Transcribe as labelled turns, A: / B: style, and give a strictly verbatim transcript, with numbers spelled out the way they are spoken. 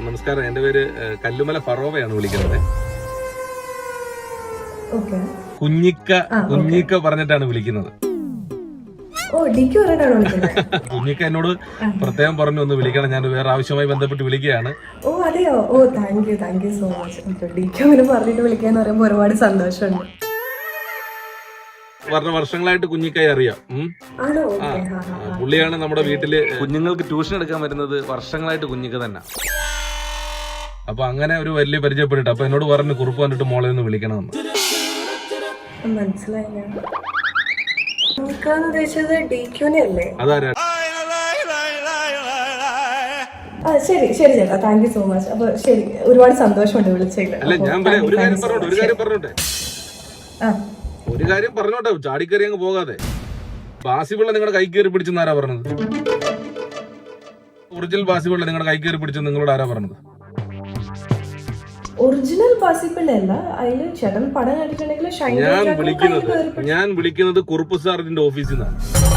A: നമസ്കാരം, എന്റെ പേര് കല്ലുമല ഫറോവയാണ് വിളിക്കുന്നത്. കുഞ്ഞിക്ക കുഞ്ഞിക്ക പറഞ്ഞിട്ടാണ് വിളിക്കുന്നത്. കുഞ്ഞിക്ക എന്നോട് പ്രത്യേകം പറഞ്ഞു ഒന്ന് വിളിക്കണം, ഞാൻ വേറെ ആവശ്യമായി ബന്ധപ്പെട്ട് വിളിക്കുകയാണ്.
B: ഓ അതെയോ? ഓ thank you thank you so much. ഡിക്ക് അങ്ങനെ പറഞ്ഞിട്ട് വിളിക്കാന്ന് പറയുമ്പോൾ ഒരുപാട് സന്തോഷമുണ്ട്.
A: പറഞ്ഞ വർഷങ്ങളായിട്ട് കുഞ്ഞിക്കായി അറിയാം. പുള്ളിയാണ് നമ്മുടെ വീട്ടില് കുഞ്ഞുങ്ങൾക്ക് ട്യൂഷൻ എടുക്കാൻ വരുന്നത്. വർഷങ്ങളായിട്ട് കുഞ്ഞിക്ക തന്നെ. അപ്പൊ അങ്ങനെ ഒരു വലിയ പരിചയപ്പെട്ടിട്ട് അപ്പൊ എന്നോട് പറഞ്ഞു കുറുപ്പ് വന്നിട്ട് മോളെ ഒന്ന് വിളിക്കണമെന്ന്.
B: മനസ്സിലായില്ല.
A: അതാരാ?
B: ശരി ശരി ചേട്ടാ, താങ്ക് യു സോ മച്ച്. അപ്പൊ ശരി, ഒരുപാട് സന്തോഷമുണ്ട് വിളിച്ചത്.
A: അല്ല ഞാൻ ഒരു കാര്യം പറഞ്ഞോട്ടെ ഒരു കാര്യം പറഞ്ഞോട്ടെ ഒരു കാര്യം പറഞ്ഞോട്ടെ ചാടിക്കറി അങ്ങ് പോകാതെ. ബാസിപിള്ള നിങ്ങളുടെ കൈ കയറി പിടിച്ചെന്ന് ആരാ പറഞ്ഞത്? ഒറിജിനൽ ബാസിപിള്ള നിങ്ങളുടെ കൈ കയറി പിടിച്ചെന്ന് നിങ്ങളോട് ആരാ പറഞ്ഞത്?
B: ഒറിജിനൽ ബാസിപിള്ള അല്ല, അതില് ചേട്ടൻ പടം കണ്ടിട്ടുണ്ടെങ്കിൽ
A: ഞാൻ വിളിക്കുന്നത് ഞാൻ വിളിക്കുന്നത് കുറുപ്പ് സാറിന്റെ ഓഫീസിൽ നിന്നാണ്.